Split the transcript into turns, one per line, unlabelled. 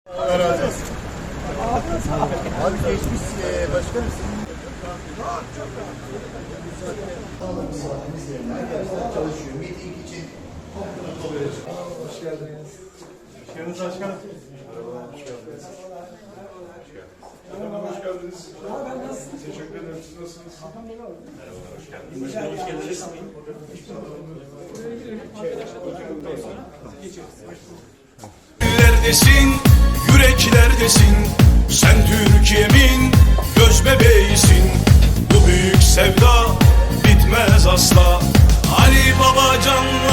Allah razı olsun. Abi geçmiş başkanım. Arkadaşlar çalışıyor. Meeting için hoş geldiniz.
Hoş geldiniz başkanım. Merhabalar, hoş geldiniz. Merhaba, hoş geldiniz. Teşekkür ederim. Siz nasılsınız? Merhabalar, hoş geldiniz. Hoş geldiniz.
Yüreklerdesin, yüreklerdesin. Sen Türkiye'min göz bebeğisin. Bu büyük sevda bitmez asla. Ali Baba canlı